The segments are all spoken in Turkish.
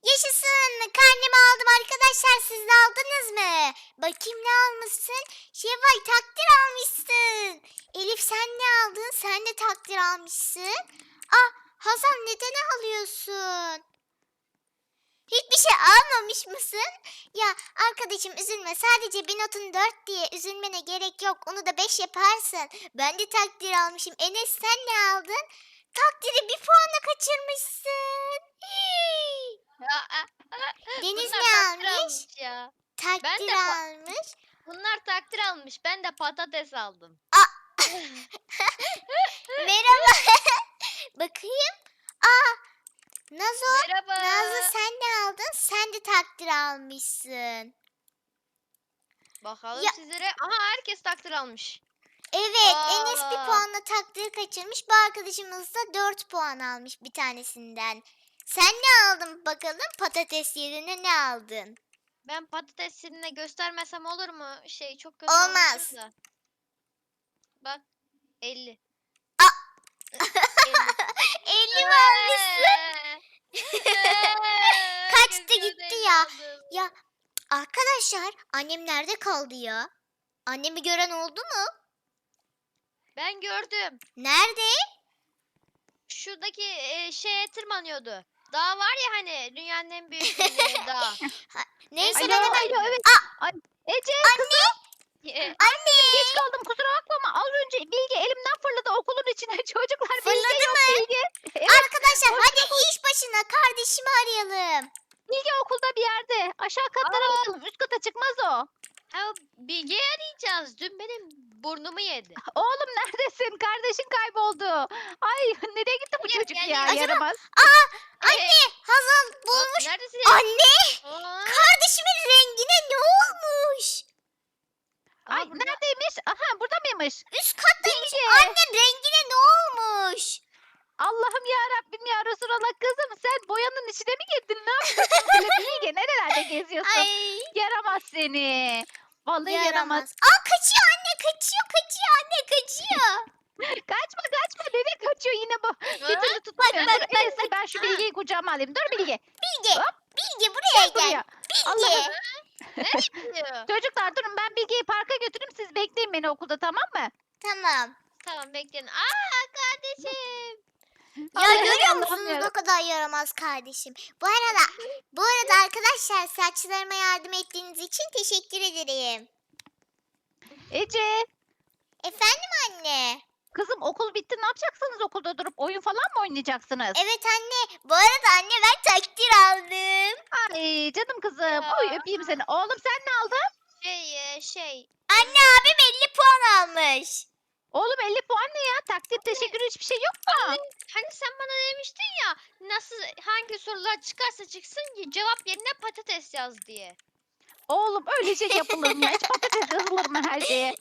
Yaşasın. Karnemi aldım arkadaşlar. Siz de aldınız mı? Bakayım ne almışsın? Şevval takdir almışsın. Elif sen ne aldın? Sen de takdir almışsın. Ah Hazal neden alıyorsun? Hiçbir şey almamış mısın? Ya arkadaşım üzülme. Sadece bir notun 4 diye üzülmene gerek yok. Onu da 5 yaparsın. Ben de takdir almışım. Enes sen ne aldın? Takdiri bir puanla kaçırmışsın. Deniz Bunlar ne takdir almış? almış ya. Takdir de almış. Bunlar takdir almış. Ben de patates aldım. Merhaba. Bakayım. Aa Nazo. Merhaba. Nazlı sen ne aldın? Sen de takdir almışsın. Bakalım Ya- sizlere. Aha herkes takdir almış. Evet, Enes bir Aa. puanla takdir kaçırmış. Bu arkadaşımız da 4 puan almış bir tanesinden. Sen ne aldın bakalım? Patates yerine ne aldın? Ben patatesini göstermesem olur mu? Çok kötü Olmaz. anlaşılır da. Bak 50. Aa! 50. 50 mi almışsın? Kaçtı Gözümün gitti önünde ya. aldım. Ya arkadaşlar annem nerede kaldı ya? Annemi gören oldu mu? Ben gördüm. Nerede? Şuradaki şeye tırmanıyordu. Dağ var ya hani dünyanın en büyük dağ. Neyse Alo, ben hemen... Alo, evet. Aa! Ay, Ece Anne! geç kaldım kusura bakma ama az önce Bilge elimden fırladı okulun içine. Çocuklar Bilge Fırladı yok mı? Bilge. Evet, Arkadaşlar hadi iş başına kardeşimi arayalım. Bilge okulda bir yerde. Aşağı katlara Aa. bakalım. Üst kata çıkmaz o. Ha, Bilge'yi arayacağız. Dün benim burnumu yedi. Oğlum neredesin? Kardeşin kayboldu. Ay nereye gitti bu Gel, çocuk gel, ya? gel. Yaramaz. Anne Hazal bulmuş. Neredesin? Anne Aa, kardeşimin rengine ne olmuş? Ay burada. neredeymiş? Aha burada mıymış? Üst kattaymış. Bilge. Anne rengine ne olmuş? Allah'ım ya Rabbim ya Resulallah kızım sen boyanın içine mi girdin? Ne yapıyorsun böyle Bilge? Nerelerde geziyorsun? Ay Yaramaz seni. Vallahi yaramaz. yaramaz. Aa kaçıyor anne kaçıyor anne kaçıyor. Kaçma nereye kaçıyor yine bu? Bir Ha? türlü tutamıyorum. bak, Dur, en iyisi ben şu Bilge'yi kucağıma alayım. Dur Bilge. Bilge Hop. Bilge buraya gel. Buraya. Bilge. Allah'ım. Nereye gidiyor? Çocuklar durun ben Bilge'yi parka götüreyim. Siz bekleyin beni okulda tamam mı? Tamam. Tamam bekleyin. Aa kardeşim. Ya Ay, görüyor Allah'ım musunuz ya. ne kadar yaramaz kardeşim. Bu arada arkadaşlar saçlarıma yardım ettiğiniz için teşekkür ederim. Ece. Efendim anne. Kızım okul bitti. Ne yapacaksınız okulda durup? Oyun falan mı oynayacaksınız? Evet anne. Bu arada anne ben takdir aldım. Ay canım kızım. Ya. Oy öpeyim seni. Oğlum sen ne aldın? Anne abim 50 puan almış. Oğlum 50 puan ne ya? Takdir teşekkür hiçbir şey yok mu? Hani sen bana demiştin ya hangi sorular çıkarsa çıksın cevap yerine patates yaz diye. Oğlum öyle şey yapılır mı? Hiç patates yazılır mı her şeye?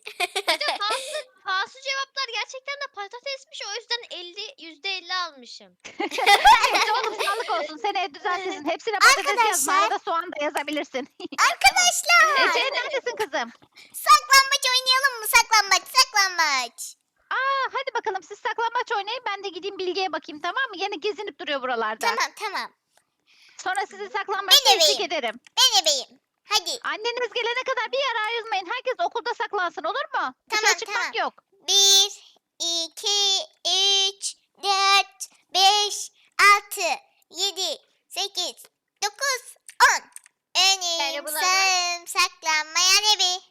Pahası cevaplar gerçekten de patatesmiş o yüzden %50 almışım. Neyse oğlum sağlık olsun. Seneye düzeltirsin. Hepsine patates yazma. Arkadaşlar. Arada soğan da yazabilirsin. Arkadaşlar. Ece neredesin kızım? Saklambaç oynayalım mı? Saklambaç. Hadi bakalım siz saklambaç oynayın. Ben de gideyim Bilge'ye bakayım tamam mı? Yine gezinip duruyor buralarda. Tamam. Sonra sizi saklambaçta Ben eşlik ebeyim. ederim. Ben ebeyim. Hadi. Anneniz gelene kadar bir yere ayrılmayın. Herkes okulda saklansın olur mu? Dışarı çıkmak Tamam. yok. 1, 2, 3, 4, 5, 6, 7, 8, 9, 10. Önüm bulamaz. sağım saklanmayan evi.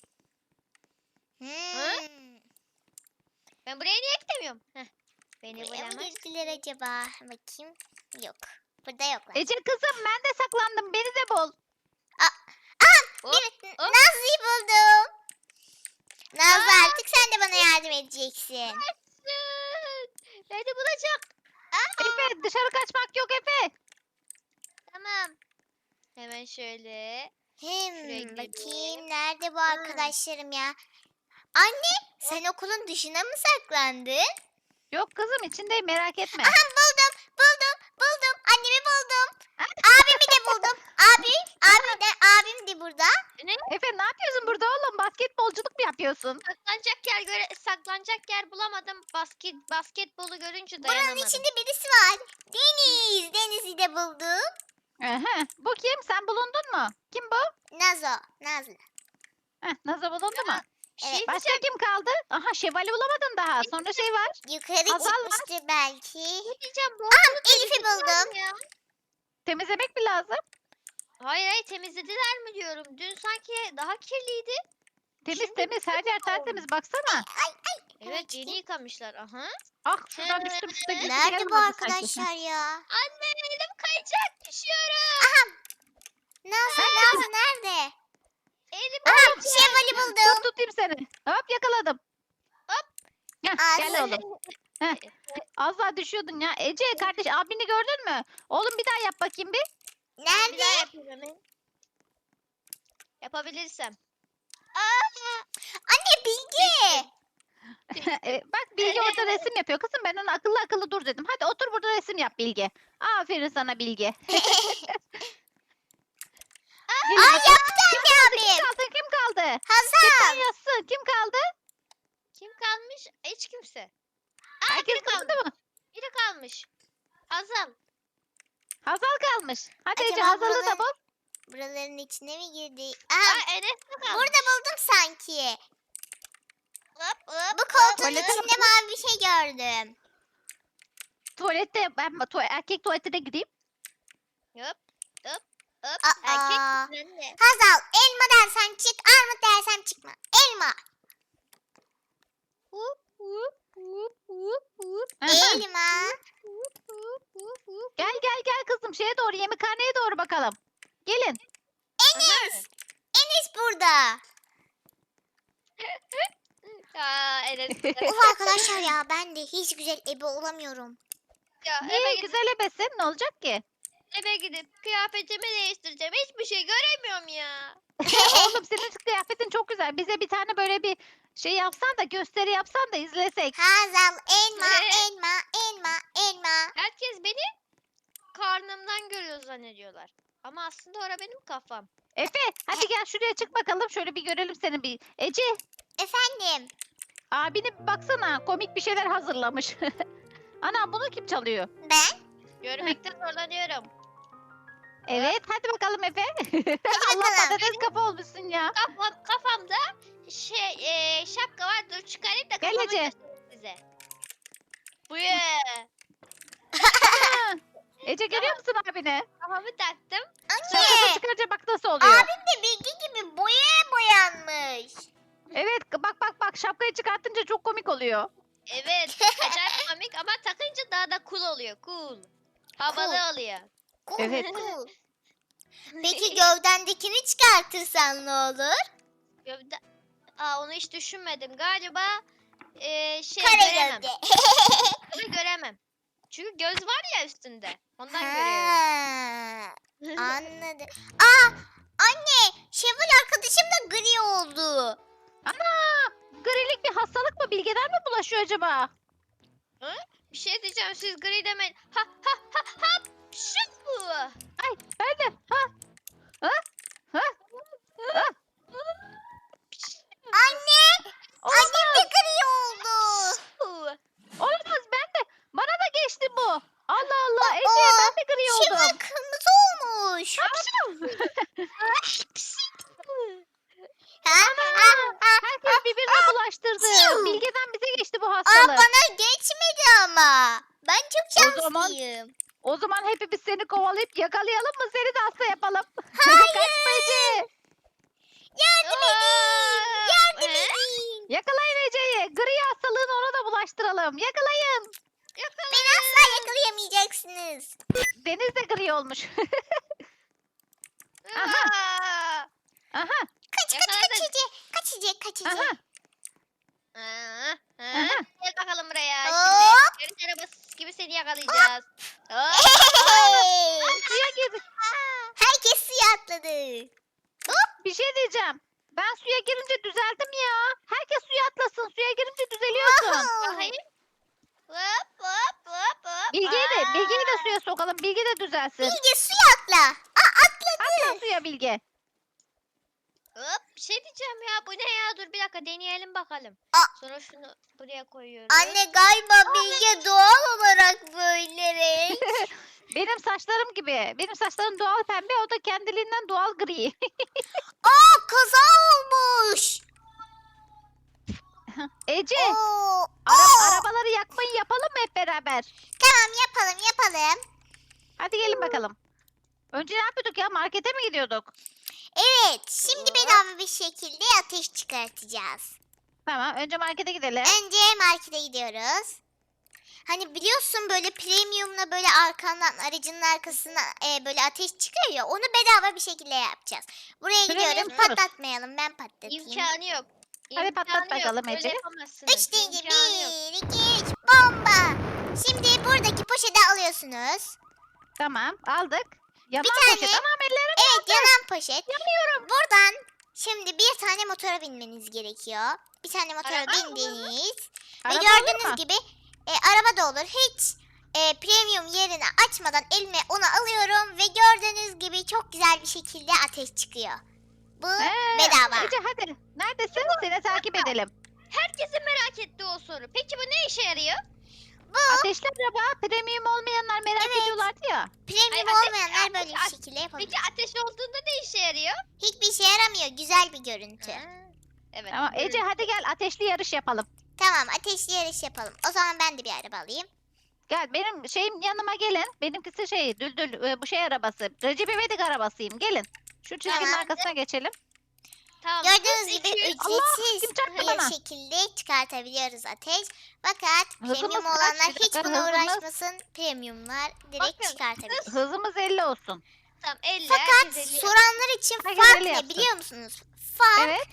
Ben buraya niye gidemiyorum? Beni Buraya mı bulamaz. girdiler acaba? Bakayım. Yok. Burada yoklar. Ece kızım ben de saklandım. Beni de bul. Hop, hop. Nazlı'yı buldum. Nazlı artık sen de bana yardım edeceksin. Beni bulacak. Efe dışarı kaçmak yok Efe. Tamam. Hemen şöyle. Şuraya gidelim. Bakayım nerede bu arkadaşlarım ya? Anne sen okulun dışına mı saklandın? Yok kızım içindeyim merak etme. Aha buldum. Annemi buldum. Abimi de buldum. Abim de burada. Efe ne yapıyorsun burada oğlum? Basketbolculuk mu yapıyorsun? Saklanacak yer bulamadım. Basketbolu görünce Buranın dayanamadım. içinde birisi var. Deniz'i de buldum. Aha, bu kim? Sen bulundun mu? Kim bu? Nazlı. Nazo bulundu mu? Şey Evet, Başka diyeceğim. kim kaldı? Aha Şevval'i bulamadın daha. Sonra şey var. Yukarı Hazal var. çıkmıştı belki. Ne diyeceğim? Bu Elif'i buldum. ya. Temizlemek mi lazım? Hayır temizlediler mi diyorum. Dün sanki daha kirliydi. Temiz Şimdi temiz. Her yer oldu. tertemiz. Baksana. Evet yeni yıkamışlar. Aha. Ah şuradan düştüm. Şurada gidip Nerede gelmedi bu sanki. arkadaşlar ya? Anne elim kayacak. Düşüyorum. Nazlı nerede? Elim Aha kayacak. Şevval'i Dur buldum. tutayım seni. Hop yakaladım. Hop. Heh, gel Ağzı. oğlum. Az daha düşüyordun ya. Ece kardeş abini gördün mü? Oğlum bir daha yap bakayım bir. Bir daha Nerede? yapayım hemen. Yapabilirsem. Anne Bilge. Bak Bilge orada resim yapıyor. Kızım ben ona akıllı akıllı dur dedim. Hadi otur burada resim yap Bilge. Aferin sana Bilge. Gelin Aa bakalım. yaptı anne Kim abim. kaldı? Kim kaldı? Hazal. Sen yazsın. Kim kaldı? Kim kalmış? Hiç kimse. Aa, Herkes biri kalmış. buldu mu? Biri kalmış. Hazal. Hazal kalmış. Hadi Ece Acaba Hazal'ı da buraları- bul. Buraların içine mi girdi? Aa Enes de kalmış. Burada buldum sanki. Hop, hop, Bu koltuğun Tuvalete içinde mavi bir şey gördüm. Tuvalette ben erkek tuvaletine gideyim. hop, hop, hop. Aa. Erkek misin anne? Hazal elma dersen çık, armut dersen çıkma. Elma. Hup, hup, hup, hup, hup, Aha. Elma. hup, hup, hup, hup. Gel kızım şeye doğru yemekhaneye doğru bakalım. Gelin. Enes burada. Aa Enes. Of arkadaşlar ya ben de hiç güzel ebe olamıyorum. Ya, Niye güzel ebesin? Ne olacak ki? eve gidip kıyafetimi değiştireceğim. Hiçbir şey göremiyorum ya. Oğlum senin kıyafetin çok güzel. Bize bir tane böyle bir şey yapsan da gösteri yapsan da izlesek. Hazal elma, Ne? elma, elma, elma. Herkes beni karnımdan görüyor zannediyorlar. Ama aslında ora benim kafam. Efe hadi gel şuraya çık bakalım. Şöyle bir görelim seni bir. Ece Efendim. abine bir baksana. Komik bir şeyler hazırlamış. Ana bunu kim çalıyor? Ben? Görmekte zorlanıyorum. Evet hadi bakalım Efe. Allah bakalım. patates kafa olmuşsun ya. Kafamda şapka var. Dur çıkarayım da Gel kafamı Ece. göstereyim size. Bu ye. Ha, Ece görüyor musun abine? Kafamı taktım. Şapkasını Anne. çıkarınca bak nasıl oluyor. Abim de Bilge gibi boyanmış. Evet bak şapkayı çıkartınca çok komik oluyor. Evet. Acayip komik ama takınca daha da cool oluyor. Cool. Havalı Cool. oluyor. Cool, Evet. cool. Peki gövdendekini çıkartırsan ne olur? Gövde... Aa onu hiç düşünmedim. Galiba Kare göremem. gövde. Onu göremem. Çünkü göz var ya üstünde. Ondan görüyorum. Ha, anladım. Aa anne Şevval arkadaşım da gri oldu. Ana! Grilik bir hastalık mı? Bilgeden mi bulaşıyor acaba? Bir şey diyeceğim siz gri demeyin. Ha ha ha ha. Şu. Ay ben de. Ha? Ha? Ha? Ha? Anne annem de Olamaz. gri oldu. Olamaz ben de. Bana da geçti bu. Allah Allah. Ece Aa, ben de gri Şevval oldum. kırmızı olmuş. Ha, Herkes birbirine bulaştırdı. Çiu. Bilgeden bize geçti bu Aa, hastalık. bana geçmedi ama. Ben çok O zaman- şanslıyım. O zaman hepimiz seni kovalayıp yakalayalım mı? Seni de hasta yapalım. Kaçma Ece. Yardım edin. Yardım Ee? edin. Yakalayın Ece'yi. Gri hastalığını ona da bulaştıralım. Yakalayın. Beni asla yakalayamayacaksınız. Deniz de gri olmuş. Aa. Aha. Kaç Yakaladık. kaç Ece. Kaç Ece kaç Ece. Aha. Aha. Gel bakalım buraya. Hop. Şimdi yarış arabası gibi seni yakalayacağız. Hop. Hey. Suya girdik. Herkes suya atladı. Bir şey diyeceğim. Ben suya girince düzeldim ya. Herkes suya atlasın. Suya girince düzeliyorsun. Bakayım. Hop hop hop hop. Bilge'yi de suya sokalım. Bilge de düzelsin. Bilge suya atla. Aa atladı. Atla suya Bilge. Hop Bir şey diyeceğim ya. Bu ne ya? Dur bir dakika deneyelim bakalım. Aa. Sonra şunu buraya koyuyoruz. Anne galiba Bilge doğal olarak böyle renk. Benim saçlarım gibi. Benim saçlarım doğal pembe, o da kendiliğinden doğal gri. Aa, kaza olmuş. Ece, Oo. Oo. arabaları yakmayı yapalım mı hep beraber? Tamam, yapalım. Hadi gelin bakalım. Önce ne yapıyorduk ya? Markete mi gidiyorduk? Evet, şimdi bedava bir şekilde ateş çıkartacağız. Tamam, önce markete gidelim. Önce markete gidiyoruz. Hani biliyorsun böyle premiumla böyle arkandan aracının arkasına böyle ateş çıkıyor ya, onu bedava bir şekilde yapacağız. Buraya Premium gidiyoruz, diyoruz. patlatmayalım, ben patlatayım. İmkanı yok. Hadi patlat İmkanı yok, bakalım böyle Ece. yapamazsınız. 3 deyince İmkanı yok. 1, 2, 3, bomba. Şimdi buradaki poşeti alıyorsunuz. Tamam, aldık. Yanan Bir poşet. tane- Anam ellerim Evet, yanan poşet. yanıyorum. Buradan şimdi bir tane motora binmeniz gerekiyor. Bir tane motora Araba mı? bindiniz. Ve Araba gördüğünüz olur mu? gibi araba da olur. Hiç premium yerini açmadan elime onu alıyorum. Ve gördüğünüz gibi çok güzel bir şekilde ateş çıkıyor. Bu bedava. Ece hadi. Neredesin? Seni takip edelim. Herkesin merak ettiği o soru. Peki bu ne işe yarıyor? Ateşli araba. Premium olmayanlar merak Evet. ediyorlardı ya. Premium Ay, olmayanlar böyle bir ateş- şekilde yapabilir. Peki ateş olduğunda ne işe yarıyor? Hiçbir işe yaramıyor. Güzel bir görüntü. Ha, evet. Tamam Ece hadi gel ateşli yarış yapalım. Tamam, ateşli yarış yapalım. O zaman ben de bir araba alayım. Gel benim şeyim yanıma gelin. Benimkisi şey düldül bu şey arabası. Recep İvedik arabasıyım. Gelin. Şu çizginin Tamam. arkasına geçelim. Tamam. Gördüğünüz hız gibi 200. Allah, ücretsiz kim çarptı bir bana? şekilde çıkartabiliyoruz ateş. Fakat Hızımız premium kaç? olanlar Bir hiç dakika, buna hızımız- uğraşmasın. Premiumlar direkt Bakın, çıkartabilir. Hızımız 50 olsun. Tamam 50. Fakat herkes 50 soranlar için Herkes fark 50 ne yapsın. biliyor musunuz? Fark Evet.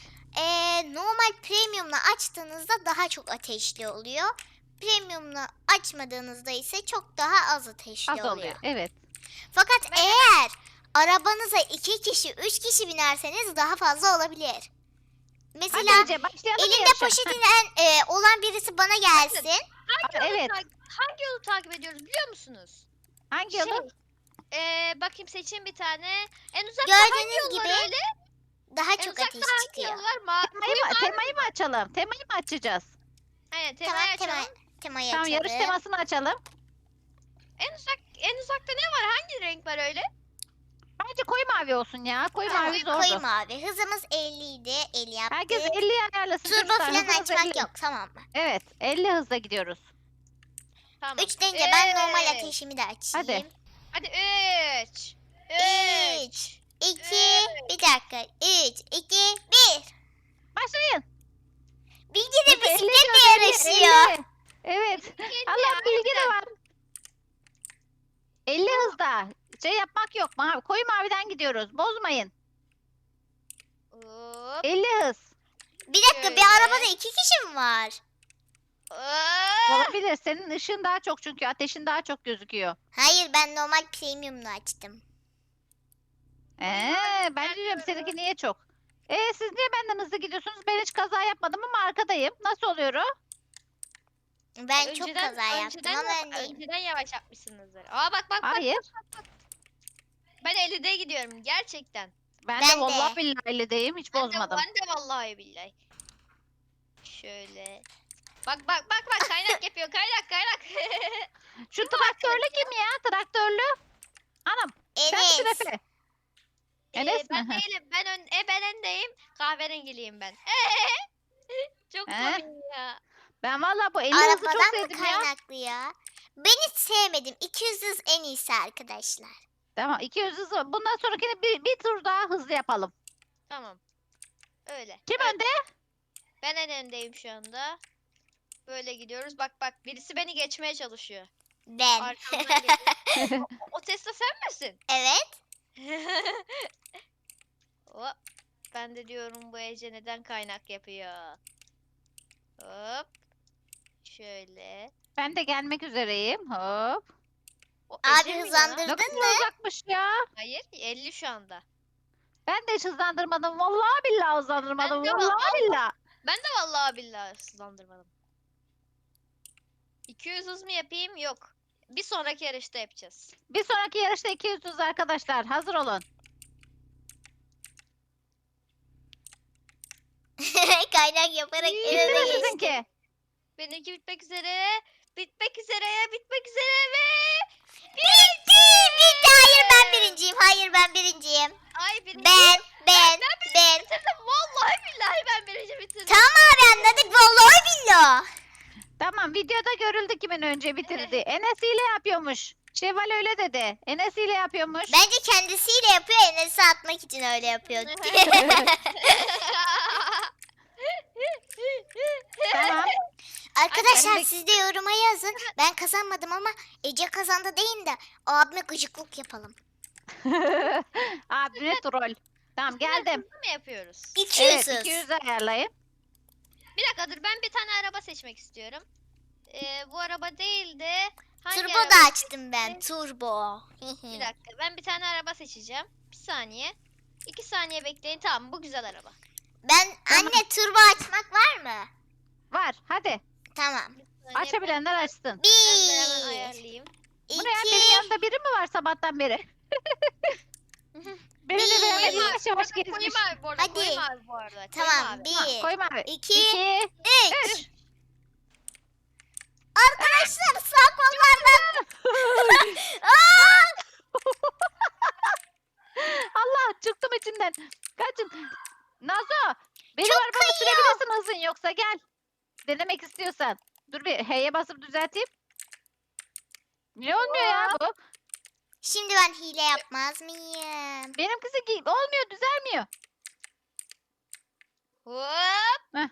normal premiumla açtığınızda daha çok ateşli oluyor. Premiumla açmadığınızda ise çok daha az ateşli Az oluyor. Evet. Fakat Ben- eğer arabanıza 2 kişi, 3 kişi binerseniz daha fazla olabilir. Hadi Mesela Ece başlayalım elinde yarışa. poşetinden olan birisi bana gelsin. Hangi yolu, Evet. hangi yolu takip ediyoruz biliyor musunuz? Hangi yolu? Bakayım seçin bir tane. En uzakta Gördüğünüz hangi yol var gibi öyle? daha En çok uzakta ateş hangi çıkıyor. yol var? Temayı mı açalım? Temayı mı açacağız? Aynen Tamam, temayı açalım. temayı Tamam açalım. yarış temasını açalım. En uzakta ne var? Hangi renk var öyle? Bence koyu mavi olsun ya. Koyu Tamam, mavi zordu. koyu mavi. Hızımız 50 idi. 50 yaptık. Herkes 50 ayarlasın Turbo çocuklar. falan Hızımız açmak 50. yok, tamam mı? Evet 50 hızla gidiyoruz. Tamam. 3 deyince ben normal Üç. ateşimi de açayım. Hadi. Hadi 3. 3, 2, bir dakika. 3, 2, 1. Başlayın. Bilgi de Ece, 50 bisikletle diyor, 50, yarışıyor. 50. Evet. Allah bilgi de var. 50 hızda. Şey yapmak yok. Mavi, koyu maviden gidiyoruz. Bozmayın. 50 hız. Bir dakika, bir Şöyle. arabada 2 kişi mi var? Olabilir. Senin ışığın daha çok çünkü ateşin daha çok gözüküyor. Hayır, ben normal premium'la açtım. Ben diyorum seninki niye çok? Siz niye benden hızlı gidiyorsunuz? Ben hiç kaza yapmadım ama arkadayım. Nasıl oluyor o? Ben çok kaza yaptım ama öndeyim. Önceden yavaş yapmışsınızdır. Aa bak. Hayır. Ben 50'de gidiyorum gerçekten. Ben Ben de de. vallahi billahi 50'deyim. Hiç bozmadım. Ben de vallahi billahi. Şöyle. Bak kaynak yapıyor kaynak. Şu traktörlü kim ya? Traktörlü. Anam. Sensin Enes. Efe. Enes Ben mi? değilim. Ben öndeyim. Kahverengiliyim ben. Çok He? komik ya. Ben vallahi bu 50 hızı çok Arabadan mı sevdim ya. kaynaklı ya? Ben hiç sevmedim. 200 hız en iyisi arkadaşlar. Tamam 200 hızı. Bundan sonrakini bir tur daha hızlı yapalım. Tamam. Öyle. Kim Öyle. önde? Ben en öndeyim şu anda. Böyle gidiyoruz. Bak birisi beni geçmeye çalışıyor. Ben. Arkamdan geliyor. O Tesla sen misin? Evet. Hop. Ben de diyorum bu Ece neden kaynak yapıyor. Hop. Şöyle. Ben de gelmek üzereyim. Hop. O Abi Ece mi ya? hızlandırdın Ne kadar mı? uzakmış ya. Hayır 50 şu anda. Ben de hiç hızlandırmadım. Vallahi billahi hızlandırmadım. Ben de Vallahi billahi. Ben de vallahi billahi hızlandırmadım. 200 hız mı yapayım? Yok. Bir sonraki yarışta yapacağız. Bir sonraki yarışta 200 hız arkadaşlar. Hazır olun. Kaynak yaparak en Bitti öne mi geçtim. sizinki? Benimki bitmek üzere. Bitmek üzere. Bitmek üzere ve... Bitti. Bitti. Hayır ben birinciyim. Hayır ben birinciyim. Ay birinci. Ben. Ben bitirdim. Vallahi billahi ben birinci bitirdim. Tamam abi anladık. Vallahi billah. Tamam, videoda görüldü kimin önce bitirdi. Enes hile yapıyormuş. Şevval öyle dedi. Enes hile yapıyormuş. Bence kendisiyle yapıyor. Enes'i atmak için öyle yapıyor. Tamam. Arkadaşlar Ben de- siz de yoruma yazın. Ben kazanmadım ama Ece kazandı deyin de abime gıcıklık yapalım. Abine troll. Tamam geldim. Hızlı mı yapıyoruz? 200. Evet 200 ayarlayın. Bir dakika dur ben bir tane araba seçmek istiyorum. Bu araba değil de hangi Turbo araba? da açtım ben. Turbo. Bir dakika ben bir tane araba seçeceğim. Bir saniye. 2 saniye bekleyin. Tamam bu güzel araba. Ben Tamam. anne turbo açmak var mı? Var hadi. Tamam. Bir saniye, Açabilenler açsın. ben de hemen 1 ayarlayayım. Bu ne ya, benim 2 yanımda biri mi var sabahtan beri? Benimle beraber Bir. yavaş yavaş Koyayım gezmiş. abi bu arada. Hadi. Koyayım abi bu arada. Tamam. Koyayım 1 Ha, koyma abi. 2 2 3 3 Arkadaşlar sağ kollardan. Aa! Allah çıktım içinden. Kaçın. Nazo. Benim Çok arabamı kayıyor. sürebilirsin hızın yoksa gel. Denemek istiyorsan. Dur bir H'ye basıp düzelteyim. Niye olmuyor ya bu? Şimdi ben hile yapmaz mıyım? Benimkisi olmuyor, düzelmiyor. Hop. Heh.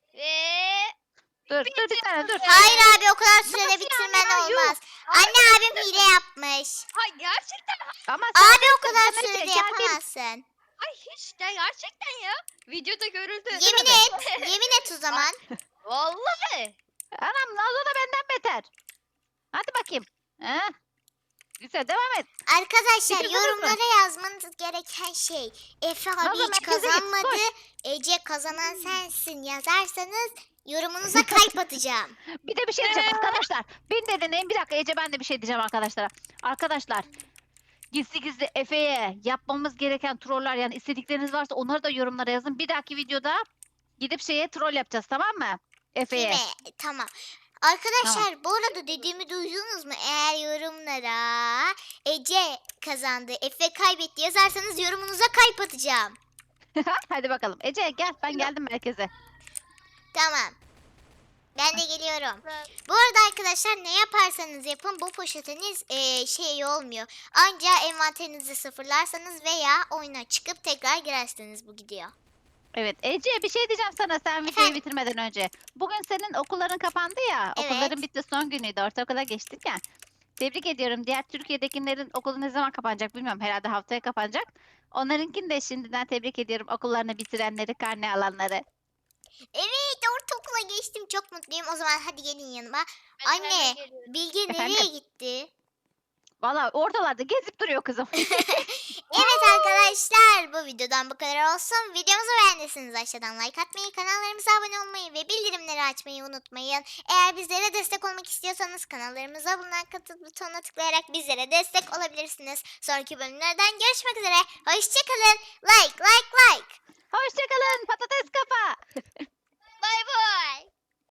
Ve Dur bir tane dur. Hayır abi o kadar sürede Nasıl bitirmen yani ya? Yuh. olmaz. Anne abim hile yapmış. ay gerçekten Ama sen Abi o kadar Demek ki sürede gel bir- yapamazsın. ay hiç de gerçekten ya. Videoda görüldü. Yemin et. Yemin et o zaman. Vallahi. Anam Nazo da benden beter. Hadi bakayım. Heh. Güzel devam et. Arkadaşlar Bitirdiniz mi? yorumlara yazmanız gereken şey. Efe abi Nazlı, hiç merkeze git, kazanmadı. koş. Ece kazanan sensin yazarsanız yorumunuza kalp atacağım. Bir de bir şey diyeceğim arkadaşlar. Beni de deneyin. Bir dakika Ece ben de bir şey diyeceğim arkadaşlara. Arkadaşlar gizli gizli Efe'ye yapmamız gereken troller yani istedikleriniz varsa onları da yorumlara yazın. Bir dahaki videoda gidip şeye troll yapacağız tamam mı? Değil Efe'ye. mi? Tamam. Arkadaşlar bu arada dediğimi duydunuz mu? Eğer yorumlara Ece kazandı, Efe kaybetti yazarsanız yorumunuza kalp atacağım. Hadi bakalım. Ece gel ben geldim merkeze. Tamam. Ben de geliyorum. Bu arada arkadaşlar ne yaparsanız yapın bu poşetiniz şey olmuyor. Anca envanterinizi sıfırlarsanız veya oyuna çıkıp tekrar girerseniz bu gidiyor. Evet Ece bir şey diyeceğim sana sen videoyu Efendim? bitirmeden önce. Bugün senin okulların kapandı ya. Evet. Okulların bitti son günüydü. Ortaokula geçtik ya. Tebrik ediyorum. Diğer Türkiye'dekilerin okulu ne zaman kapanacak bilmiyorum. Herhalde haftaya kapanacak. Onlarınkini de şimdiden tebrik ediyorum. Okullarını bitirenleri, karne alanları. Evet ortaokula geçtim çok mutluyum. O zaman hadi gelin yanıma. Ben Anne hemen geliyorum. Bilge Efendim? nereye gitti? Valla ortalarda gezip duruyor kızım. Evet arkadaşlar bu videodan bu kadar olsun. Videomuzu beğendiyseniz aşağıdan like atmayı, kanallarımıza abone olmayı ve bildirimleri açmayı unutmayın. Eğer bizlere destek olmak istiyorsanız kanallarımıza bulunan katıl butonuna tıklayarak bizlere destek olabilirsiniz. Sonraki bölümlerden görüşmek üzere. Hoşçakalın. Like. Hoşçakalın patates kafa. Bay bay.